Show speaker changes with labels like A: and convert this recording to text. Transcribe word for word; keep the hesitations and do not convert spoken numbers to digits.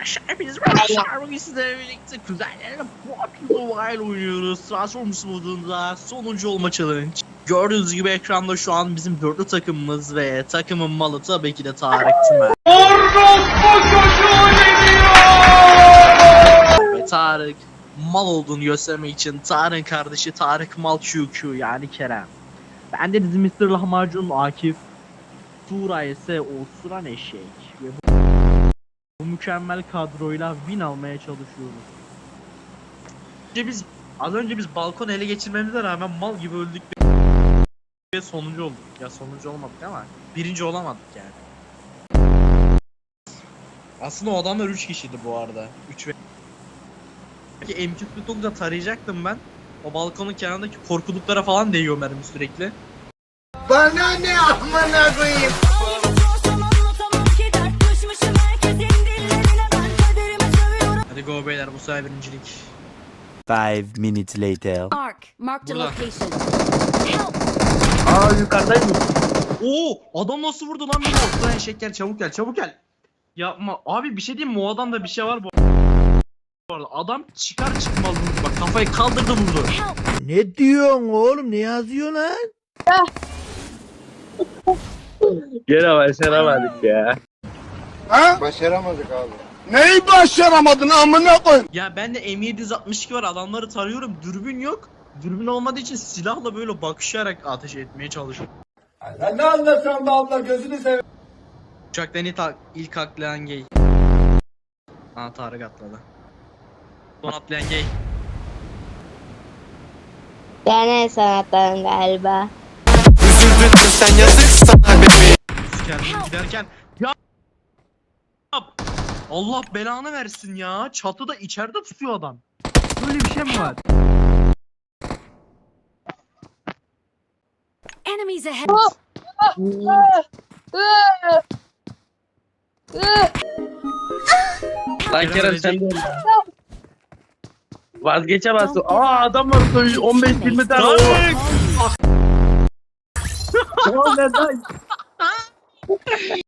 A: Arkadaşlar hepiniz merhabalar. Bugün sizlerle birlikte kuzenlerle P U B G Mobile oynuyoruz. Transformers modunda sonuncu olma challenge. Gördüğünüz gibi ekranda şu an bizim dörtlü takımımız ve takımın malı tabii ki de Tarık Tümer. Ve Tarık mal olduğunu göstermek için Tarık'ın kardeşi Tarık Mal Q Q yani Kerem. Ben de bizim mister Lahmacun Akif. Tuğra ise Osuran Eşek. Ve bu mükemmel kadroyla win almaya çalışıyoruz. Önce biz az önce biz balkon ele geçirmemize rağmen mal gibi öldük ve sonuncu olduk. Ya sonuncu olmadık ama birinci olamadık yani. Aslında o adamlar üç kişiydi bu arada. üç ve M iki kırk dokuz'da tarayacaktım ben. O balkonun kenarındaki korkuluklara falan değiyor mermi sürekli.
B: Bana ne amına koyayım?
A: Hadi go beyler, bu sefer birincilik.
C: Five minutes later.
D: Mark, mark the
A: Burada.
D: location. Help!
A: Aa, yukarıdayım. Oo, adam nasıl vurdu lan beni? Ortadan eşek, gel çabuk gel çabuk gel. Yapma abi, bir şey diyeyim mi? O adamda bir şey var bu arada. Adam çıkar çıkmaz vurdu, bak kafayı kaldırdı vurdu.
B: Ne diyorsun oğlum? Ne yazıyorsun lan?
E: Gene başaramadık ya.
B: Ha? Başaramadık abi. Neyi başaramadın amına koy?
A: Ya ben de M yedi altmış iki var, adamları tarıyorum, dürbün yok. Dürbün olmadığı için silahla böyle bakışarak ateş etmeye çalışıyorum.
B: Sen ne anlatıyorsun be abla, gözünü seveyim.
A: Uçaktan ilk, ilk atlayan gay. Aa, Tarık atladı. Son atlayan gay.
F: Yani sanatların galiba.
C: Üzüldün sen, yazık sana bebeğim.
A: Kendini giderken ya Allah belanı versin ya. Çatıda içeride tutuyor adam. Böyle bir şey mi var?
D: Enemies ahead!
E: Lan Kerem sen de vazgeçemezsin. Aa adam var on beş yirmi tane.
A: Tarık!
E: O neden?